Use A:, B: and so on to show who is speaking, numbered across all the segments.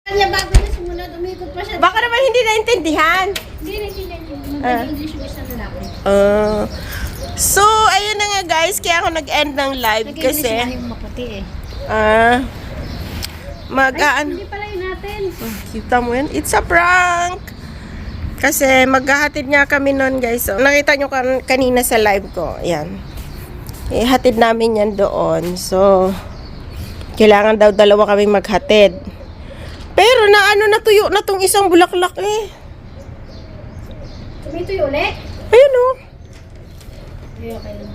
A: Kanya bago na sumunod, umikot pa siya.
B: Baka naman hindi naintindihan.
A: Hindi naintindihan niya. Mag-English yung isang lalaki.
B: So, ayun na nga guys. Kaya ako nag-end ng live
A: Nag-English
B: kasi
A: na yung maputi eh.
B: Hindi
A: pala yun natin.
B: Kita mo yan? It's a prank! Kasi maghahatid nga kami nun guys. So, nakita nyo kanina sa live ko. Ayan. Ihatid namin yan doon. So, kailangan daw dalawa kami maghatid. Pero natuyo na tong isang bulaklak eh.
A: Tumituyo ulit?
B: Ayun o.
A: Ay, okay lang.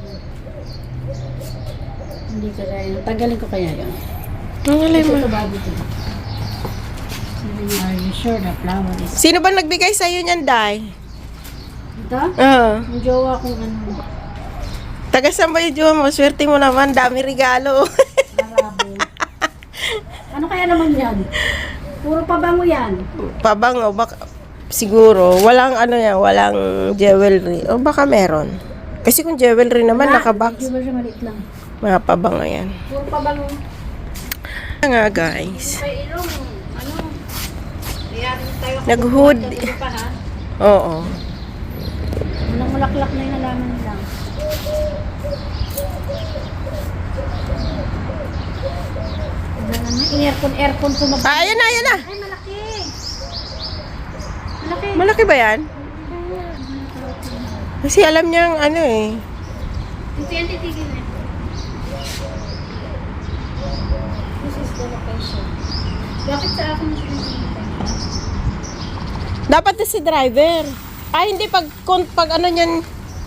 A: Hindi ka kaya. Tagalin ko kaya yun. Ito bago ito. Are you sure the flower is...
B: Sino ba nagbigay sa'yo niyan, Day?
A: Ito?
B: Oo.
A: Yung jowa kong ano.
B: Tagasan ba yung jowa mo? Swerte mo naman. Dami regalo.
A: Arabo. Ano kaya naman yan? Puro pabango yan.
B: Pabango. Siguro. Walang walang jewelry. O baka meron. Kasi kung jewelry naman, nakabox.
A: Jewelry maliit lang.
B: Mga pabango yan.
A: Puro pabango.
B: Nga guys.
A: May ilong, Iyarin tayo.
B: Nag-hood.
A: Pa, ha?
B: Oo.
A: Walang mulaklak na yung nalaman nila. Aircon tumabas.
B: Ayan na.
A: Ay, malaki. Malaki.
B: Malaki ba yan? Kasi alam niyang
A: Ito yan titigil na. This is the location. Bakit sa akin
B: Dapat na si driver. Hindi. Pag niyan.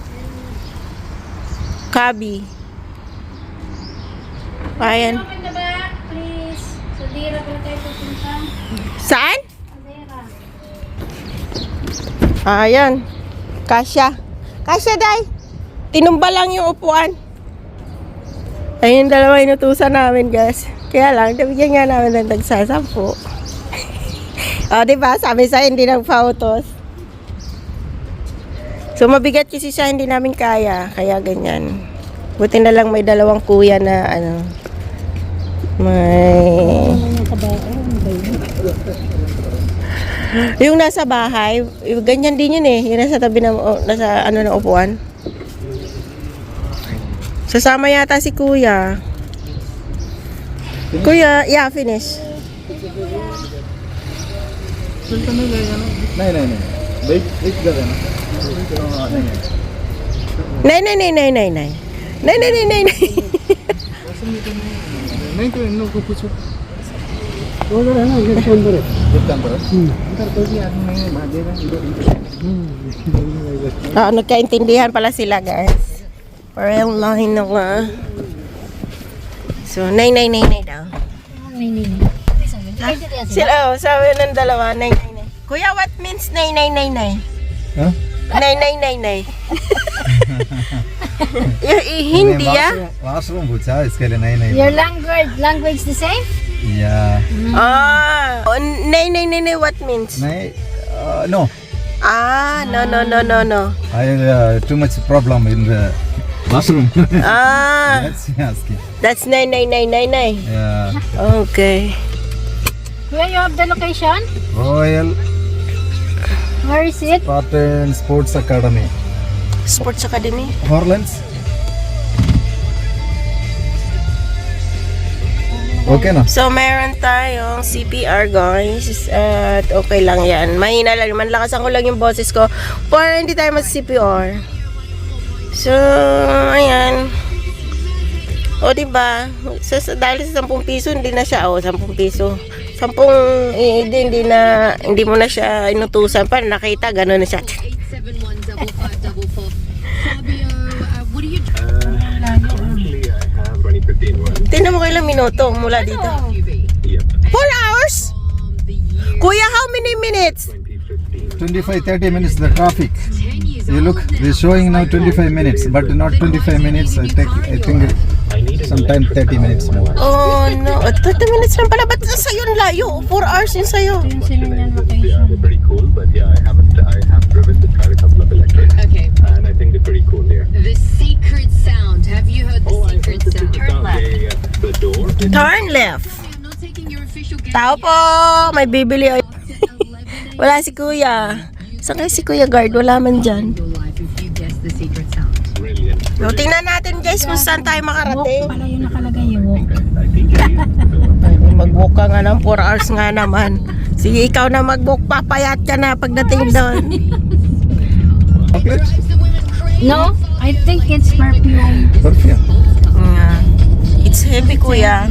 B: Kabi. Ayan.
A: Open the back, please. Sa Dira pala tayo pupunta.
B: Saan?
A: Sa Dira.
B: Ayan. Kasya, Day. Tinumba lang yung upuan. Ayun yung dalawa inutusan namin, guys. Kaya lang, nabigyan nga namin ng tagsasampu. Diba? Sabi sa hindi nagpa-autos. So, mabigat kasi siya, hindi namin kaya. Kaya ganyan. Buti na lang may dalawang kuya na, may... Yung nasa bahay, ganyan din yun eh. Yung nasa tabi ng, nasa ng upuan. Sasama yata si kuya. Kuya, yeah, finish.
C: नहीं wait wait कर देना
B: नहीं
C: नहीं तो इन लोगों को पूछो उधर है ना गेट के अंदर है अंदर कोई भी आदमी नहीं है भागेगा इधर
B: Nagkaintindihan pala sila guys. Parang line na nga. So, nay daw. Sila, sabi ng dalawa, nay. Kuya, what means nay?
C: Huh?
B: Nay. Hindi
C: washroom पूछा इसके लिए नहीं
A: Your language the same?
C: या
B: nay, what means?
C: नहीं no
B: No.
C: I too much problem in the washroom that's asking
B: That's nay.
C: yeah
B: Okay.
A: Where you have the location?
C: Royal
A: Where is it?
C: Spartan Sports Academy
B: Sports Academy.
C: Horlands okay na
B: So, meron tayong CPR, guys. At okay lang yan. Mahina lang naman. Lakasan ko lang yung boses ko para hindi tayo mas-CPR. So, ayan. O, diba? Dahil sa 10 piso, hindi na siya. 10 piso. 10, hindi mo na siya inutusan. Para nakita, gano'n na siya.
D: 871-5544. Fabio, what are you
B: Tingnan mo kailang minuto mula dito. 4 hours? Kuya, how many minutes?
C: 25-30 minutes the traffic you look they're showing now 25 minutes but not 25 minutes I think sometime 30 minutes more
B: Oh, no. 30 minutes lang pala. Ba't sa'yo ang layo? 4 hours yun sa'yo.
A: Yung sinunyan location.
E: They're pretty cool, but yeah, I have driven to try a couple of electric,
D: Okay.
E: and I think they're pretty cool here.
D: The secret sound. Have you heard the secret sound?
E: The door.
B: Turn left.
D: I'm not taking your official
B: Tao po! May bibili. Wala si Kuya. Saan kaya si Kuya Guard? Wala man dyan.
D: Your life if you guess the secret sound.
E: Brilliant.
B: So, tingnan natin guys kung saan tayo
A: Walk
B: makarating.
A: pala yung nakalagay yung walk.
E: I think
B: Ay, mag-walk ka nga ng 4 hours nga naman. Sige, ikaw na mag-walk. Papayat ka na pagdating doon.
C: Chocolate?
A: No, I think it's perfume.
C: Perfume.
B: It's heavy, Kuya.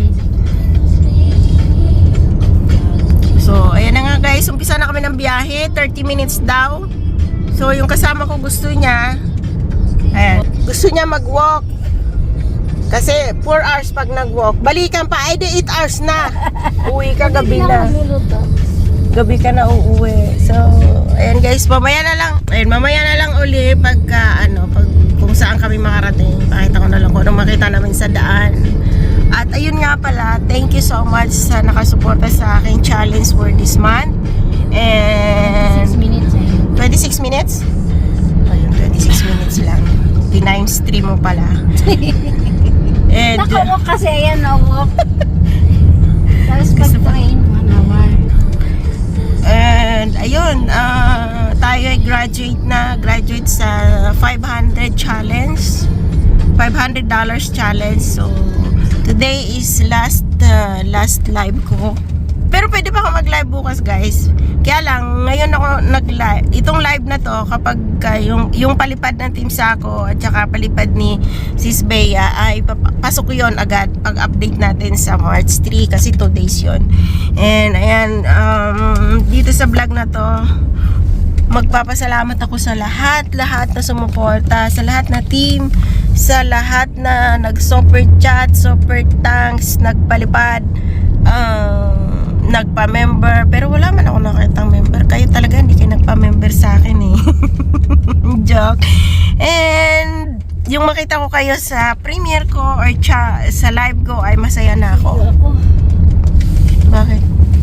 B: So, ayan na nga guys. Umpisa na kami ng biyahe. 30 minutes daw. So, yung kasama ko gusto niya, ayan, gusto niya mag-walk. Kasi 4 hours pag nag-walk. Balikan pa, ay di 8 hours na. Uwi ka gabi na. Gabi ka na uuwi. So, ayan guys, mamaya na lang. Ayan, mamaya na lang uli pagka, pag, kung saan kami makarating. Pakita ko na lang kung anong makita namin sa daan. At ayun nga pala, thank you so much sa nakasuporta sa aking challenge for this month. And
A: 6 minutes eh.
B: 26 minutes? Ayun, 26 minutes lang. Times 3 mo pala. And
A: Nakawalk kasi, ayan, no-walk. Tapos pag-train, 1 hour.
B: And ayun, tayo ay graduate sa 500 challenge. $500 challenge. So today is last live ko. Pero pwede pa ako mag-live bukas, guys. Kaya lang, ngayon ako nag-live. Itong live na to, kapag yung palipad ng Team Sako at saka palipad ni Sis Bea, ay pasok ko yun agad pag-update natin sa March 3 kasi 2 days yun. And ayan, dito sa vlog na to, magpapasalamat ako sa lahat na sumuporta, sa lahat na team, sa lahat na nag-super chat, super thanks, nagpalipad, nagpa-member, pero wala man ako nakitang member. Kayo talaga hindi kayo nagpa-member sa akin eh. Joke. And yung makita ko kayo sa premiere ko or sa live ko ay masaya na ako.
A: Ako.
B: Bakit?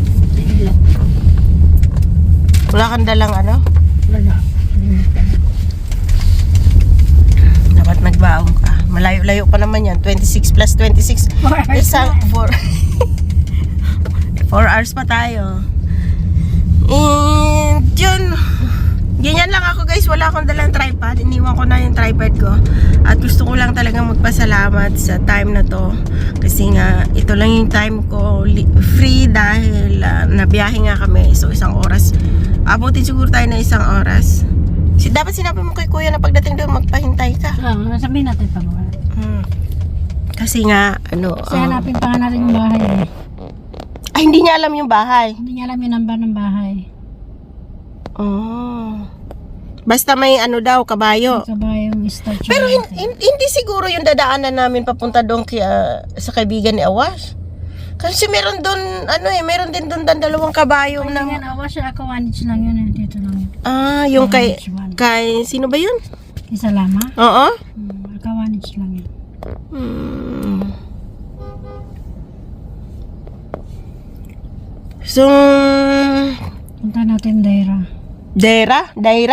B: Wala kang dalang ano?
A: Wala.
B: Dapat nagbaong ka. Malayo-layo pa naman yan. 26 plus 26.
A: 4 hours
B: Isang
A: na.
B: 4 hours pa tayo. And yun. Ganyan lang ako guys. Wala akong dalang tripod. Iniwan ko na yung tripod ko. At gusto ko lang talagang magpasalamat sa time na to. Kasi nga, ito lang yung time ko free dahil nabiyahe nga kami. So, 1 oras. Abutin siguro tayo na 1 oras. Dapat sinabi mo kay Kuya na pagdating doon, magpahintay ka.
A: Sabihin natin pa mga.
B: Kasi nga,
A: Kasi hanapin pa nga natin yung bahay eh.
B: ay, hindi niya alam yung bahay.
A: Hindi niya alam yung number ng bahay.
B: Oh. Basta may daw, kabayo.
A: Sabay yung statue.
B: Pero hindi siguro yung dadaanan namin papunta doon sa kaibigan ni Awash. Kasi meron doon, meron din doon 2 kabayo
A: Ay,
B: na...
A: yan, awa siya, akawanich lang yun eh. Dito lang yun.
B: Ah, yung kay sino ba yun?
A: Isa lama?
B: Oo.
A: Akawanich lang yun.
B: So,
A: Punta natin Daira.
B: Daira.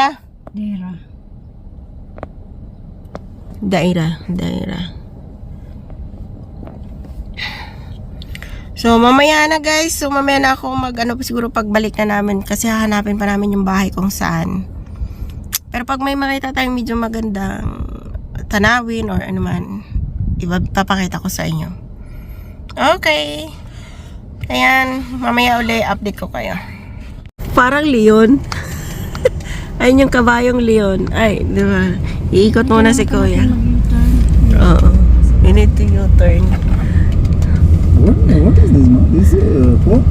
B: So, mamaya na guys. So, mamaya na ako siguro pagbalik na namin. Kasi hahanapin pa namin yung bahay kung saan. Pero pag may makita tayong medyo magandang tanawin or ano man, ipapakita ko sa inyo. Okay. Ayan, mamaya uli update ko kayo. Parang leon. Ayun yung kabayong leon. Ay, di ba? Iikot muna si Kuya. Oo. You need to U-turn.
C: What is this? No? This phone?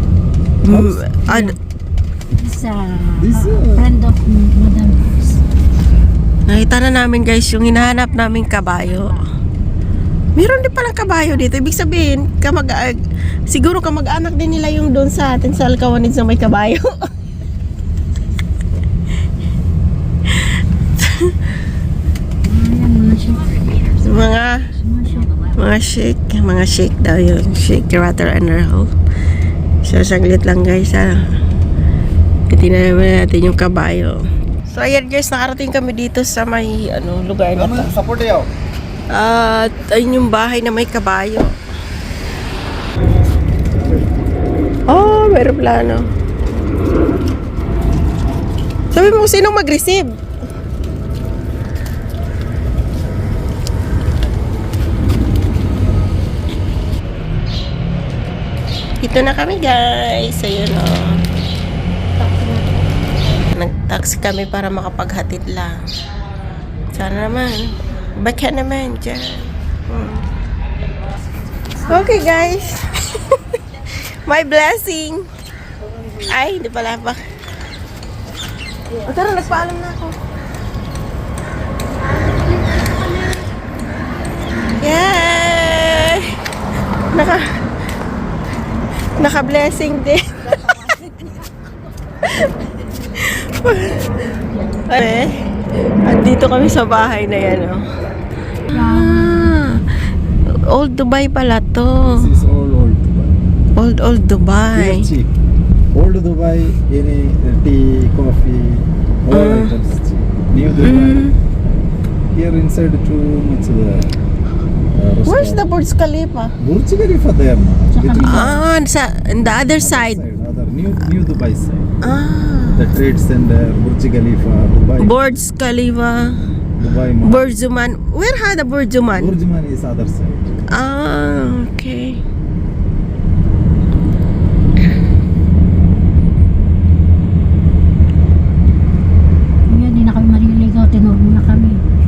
A: Friend of Madam.
B: Nakita na namin guys yung hinahanap naming kabayo. Meron din palang kabayo dito. Ibig sabihin, siguro kamag-anak din nila yung doon sa atin sa Alcawanid na may kabayo. mga shake daw yun. Shake, rattle, and roll. So, saglit lang guys ha. Titignan natin yung kabayo. So, ayan guys, nakarating kami dito sa may lugar na to.
C: Support yaw.
B: At ayun yung bahay na may kabayo. Oh, may aeroplano. Sabi mo, sinong mag-receive? Ito na kami, guys. Ayun, oh. Nag-taxi kami para makapaghatid lang. Sana naman. Baka naman dyan. Okay, guys. My blessing. Ay, hindi pala pa. O, tara, nagpaalam na ako. Yay! Naka-blessing din. Okay. At dito kami sa bahay na yan, oh. Old Dubai pala to.
C: This is all old Dubai.
B: Old Dubai.
C: Here cheap. Old Dubai, any tea, coffee, all items cheap. New Dubai. Here inside too much
B: Where's the Burj Khalifa?
C: Burj Khalifa there now.
B: On the other side.
C: Other new Dubai side.
B: Ah.
C: The Trade Center, Burj Khalifa, Dubai.
B: Burj Khalifa.
C: Dubai Mall.
B: Burj Zuman. Where had the Burj Zuman?
C: Burj Man is other side.
B: Ah, okay.
A: Kuya, di na kami maliligaw. Tinuro na kami.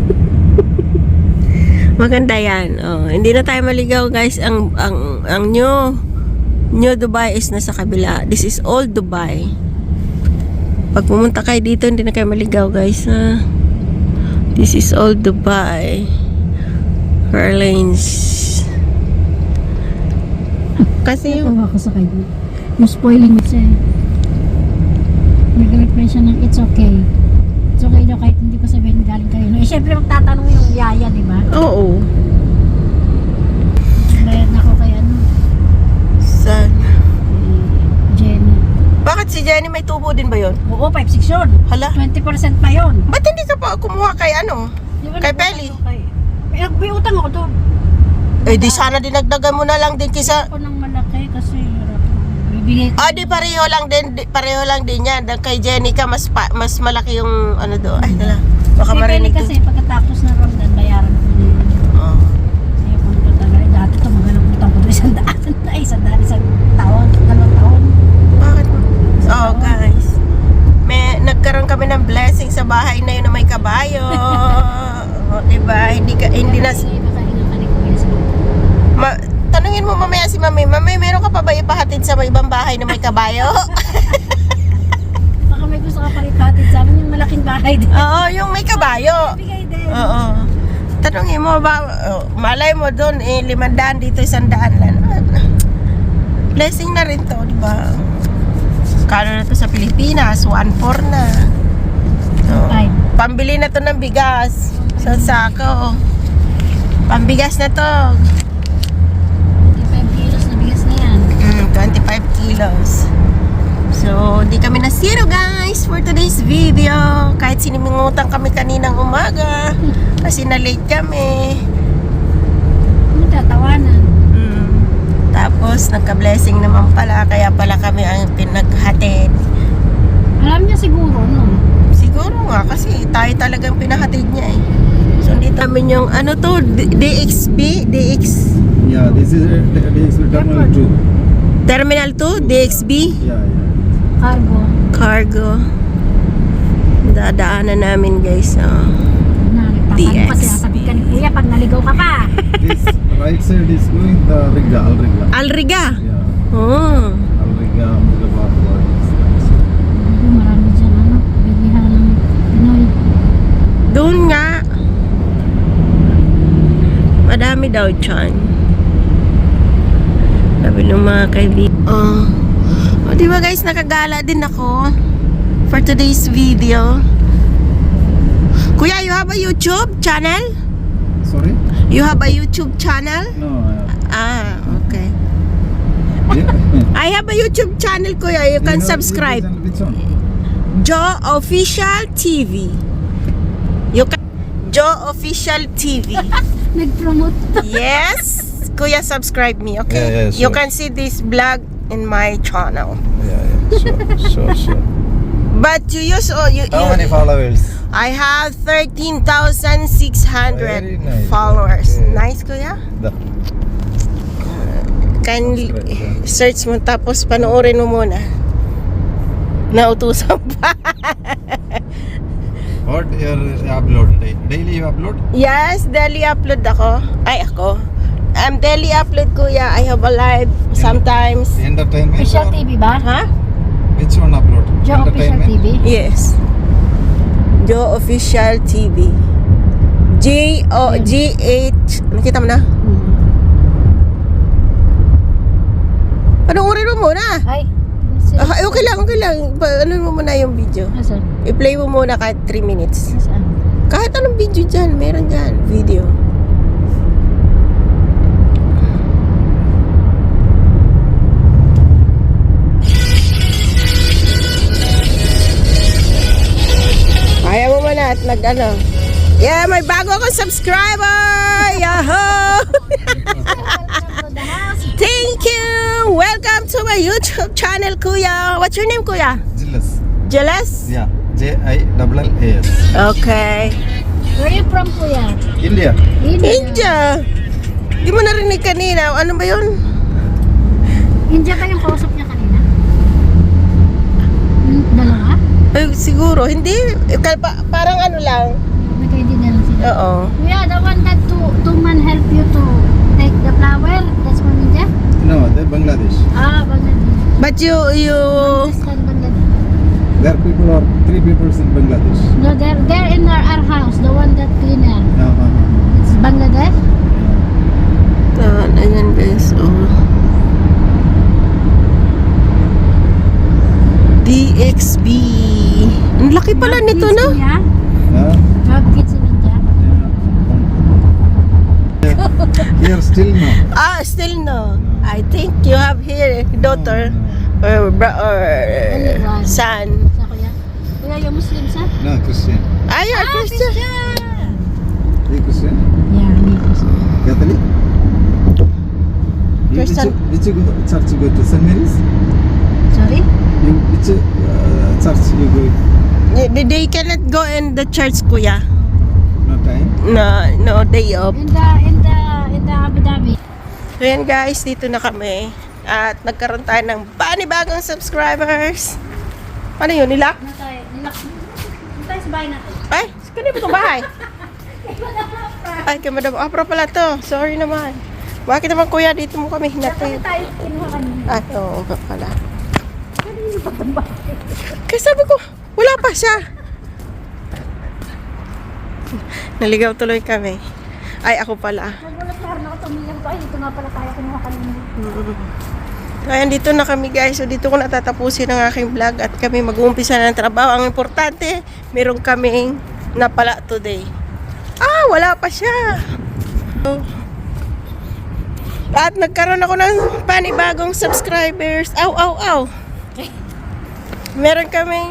B: Maganda yan. Oh, hindi na tayo maligaw, guys. Ang New Dubai is nasa kabila. This is Old Dubai. Pag pumunta kayo dito, hindi na kayo maligaw, guys. Ha? This is Old Dubai. Fairlanes. Kasi yung...
A: Tawa ko sa kanya. Yung spoiling siya eh. Nag-reply siya ng it's okay. It's okay daw kahit hindi ko sabihin galing kayo. Eh, syempre magtatanong yung yaya, di ba?
B: Oo.
A: Bayad na ako kay ano,
B: Saan?
A: Jenny.
B: Bakit si Jenny may tubo din ba yun?
A: Oo, 5-6 yun.
B: Hala?
A: 20% pa yun.
B: Ba't hindi ka pa kumuha kay ano?
A: Di ba,
B: Kay
A: nagutang
B: Belly?
A: ako kay- May utang ako doon.
B: Eh di sana dinagdagan mo na lang din kisa...
A: Ako ng malaki kasi bibigay ko.
B: Di pareho lang din yan. Kay Jenny ka mas malaki yung ano do. Ay, dala. Baka
A: Kay Belly
B: marinig
A: kasi
B: ko.
A: pagkatapos ng Ramadan, bayaran ko na yun.
B: Oh.
A: Kaya kung ito talaga, dati tumagal ang utang ko doon 100. Ay, 100, isang taon, 2 taon.
B: Bakit? Oh, guys. Nagkaroon kami ng blessing sa bahay na yun na may kabayo. Diba? Hindi na...
A: Makahinga ka ni Kuya sa
B: Tanungin mo mamaya si Mami. Mami, meron ka pa ba ipahatid sa may ibang bahay na may kabayo?
A: Baka may gusto ka palitatid sa amin yung malaking bahay din.
B: Oo, yung may kabayo.
A: Bigay din.
B: Oo. Tanungin mo ba, malay mo doon, 500 dito, 100 lang. Blessing na rin to, di ba? Kano na to sa Pilipinas? 1.4 na.
A: Five.
B: Pambili na to ng bigas. Sa sako. Pambigas na to.
A: 25 kilos na bigas na yan.
B: 25 kilos. So, di kami na zero, guys, for today's video. Kahit sinimingutang kami kaninang umaga. Kasi na-late kami.
A: Ano tatawanan?
B: Tapos, nagka-blessing naman pala. Kaya pala kami ang pinaghatid.
A: Alam niya siguro, no?
B: Siguro nga, kasi tayo talagang pinahatid niya eh. So, dito namin yung, ano to, DXB?
C: Yeah, this is Terminal 2.
B: Terminal 2? DXB?
C: Yeah.
A: Cargo.
B: Cargo. Dadaanan namin, guys.
A: Na, nagtatanong
B: DX.
A: pa sinasabi ka ni Kuya pag naligaw ka pa.
C: This right side is going the Riga, Al Riga.
B: Alriga.
C: Yeah,
B: Oh.
C: Al Riga, Boulevard.
A: Marami dyan, ano, bilihan ng Pinoy.
B: Doon nga. Madami daw dyan. Sabi ng mga kaibigan. Oh, di ba guys, nakagala din ako for today's video. Kuya, you have a YouTube channel?
C: Sorry?
B: You have a YouTube channel?
C: No.
B: Okay.
C: Yeah.
B: I have a YouTube channel, Kuya. You can subscribe.
C: Which one?
B: Joe Official TV. You can Joe Official TV.
A: Nag-promote.
B: Yes. Kuya, subscribe me, okay?
C: Yeah, yeah,
B: You
C: sure.
B: can see this vlog in my channel.
C: Sure.
B: But you use
C: How many followers?
B: I have 13,600
C: Very nice.
B: followers.
C: Okay.
B: Nice, kuya?
C: The,
B: Kindly search mo tapos panoorin mo muna. Nautusan pa.
C: what your upload? Daily you upload?
B: Yes, daily upload ako. Daily upload, kuya. I have a live sometimes.
C: Entertainment?
A: Official
C: or
A: TV ba?
B: Huh?
C: Which one upload?
A: Joe Official TV?
B: Yes. Joe Official TV. G-H. Nakita mo na? Panoorin mo muna.
A: Ay.
B: Okay lang. Ano mo muna yung video.
A: Asan?
B: I-play mo muna kahit 3 minutes.
A: Asan?
B: Kahit anong video dyan, meron dyan. Video. Kaya mo muna at nag-ano. Yeah, may bago akong subscriber! Yahoo! Thank you! Welcome to my YouTube channel, kuya. What's your name, kuya?
C: Jillas.
B: Jealous?
C: Yeah. Jillas.
B: Okay.
A: Where are you from, kuya?
C: India.
B: India. Di mo narinig kanina. Ano ba yun?
A: India ba yung kausap niya kanina? Dalawa?
B: Ay, siguro. Hindi. Parang ano lang.
A: Nagkaintindihan lang sila.
B: Oo.
A: Kuya, the one that two man help you to take the flower, that's from India?
C: No, they're Bangladesh.
A: Ah, Bangladesh.
B: But you...
A: Understand Bangladesh.
C: There are people or 3 people in Bangladesh.
A: No, they're in our house, the one that cleaner. It's Bangladesh.
B: Ayan guys. Oh. DXB. Ang laki pala
A: You have
B: nito,
A: kids
B: no?
A: in India?
C: Huh?
A: You have kids in India?
C: Here still no.
B: Still no. I think you have here daughter or
A: Only one.
B: son.
A: Sa kuya? Kuya, yung Muslim sa?
C: No, Christian.
B: Ay, you're Christian.
C: You Christian?
A: Yeah, me Muslim.
C: Catholic? You
B: Christian.
C: Which church you go to? St. Mary's?
A: Sorry?
C: You, which church you go?
B: They cannot go in the church, kuya.
C: No time?
B: No day off.
A: In the Abu Dhabi.
B: So yan guys, dito na kami. At nagkaroon tayo ng panibagong subscribers. Ano yun, nila?
A: Ano tayo? Nilak. Ano tayo sa bahay natin?
B: Ay, kanina ba itong bahay? Ay, kay Madam Afra pala to. Sorry naman. Bakit naman kuya, dito mo kami hinatid?
A: Tayo kinuha kanina.
B: Ay, oo nga pala. Kaya sabi ko, wala pa siya. Naligaw tuloy kami. Ay, ako pala.
A: Nagulat na rin ako tumingin ko. Ay, ito nga pala tayo kinuha kanina.
B: Ayan, dito na kami guys. So, dito ko natatapusin ang aking vlog at kami mag-uumpisa na ng trabaho. Ang importante, meron kaming napala today. Wala pa siya. At nagkaroon ako ng panibagong subscribers. Aw. Meron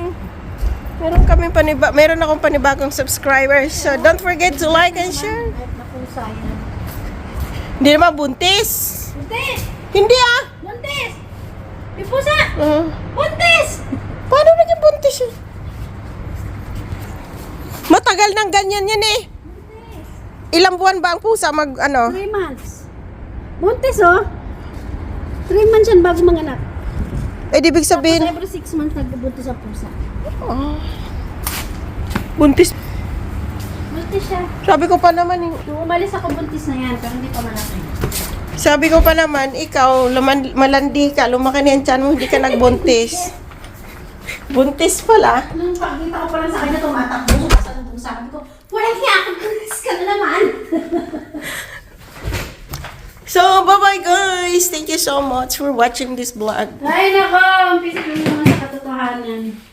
B: akong panibagong subscribers. So, don't forget to like and share.
A: Napusa yan.
B: Hindi naman buntis.
A: Buntis!
B: Hindi
A: Buntis! May pusa!
B: Uh,
A: Buntis!
B: Paano naging buntis yun? Matagal nang ganyan yan eh. Ilang buwan ba ang pusa
A: 3 months. Buntis oh. 3 months yan bago manganak.
B: ibig sabihin,
A: Tapos every 6 months nagbubuntis ang pusa.
B: buntis.
A: Buntis siya.
B: Sabi ko pa naman,
A: Nung umalis ako buntis na yan, pero hindi pa malaki.
B: ikaw, malandi ka, lumaki na yung tiyan mo, hindi ka nagbuntis. Buntis pala.
A: Nung pagkita ko pa lang sa kanya, tumatakbo siya sa lubong sa akin ko, walang hiya ka, buntis ka na naman.
B: So, bye-bye guys. Thank you so much for watching this vlog.
A: Ay nako, umpisa ko naman sa katotohanan.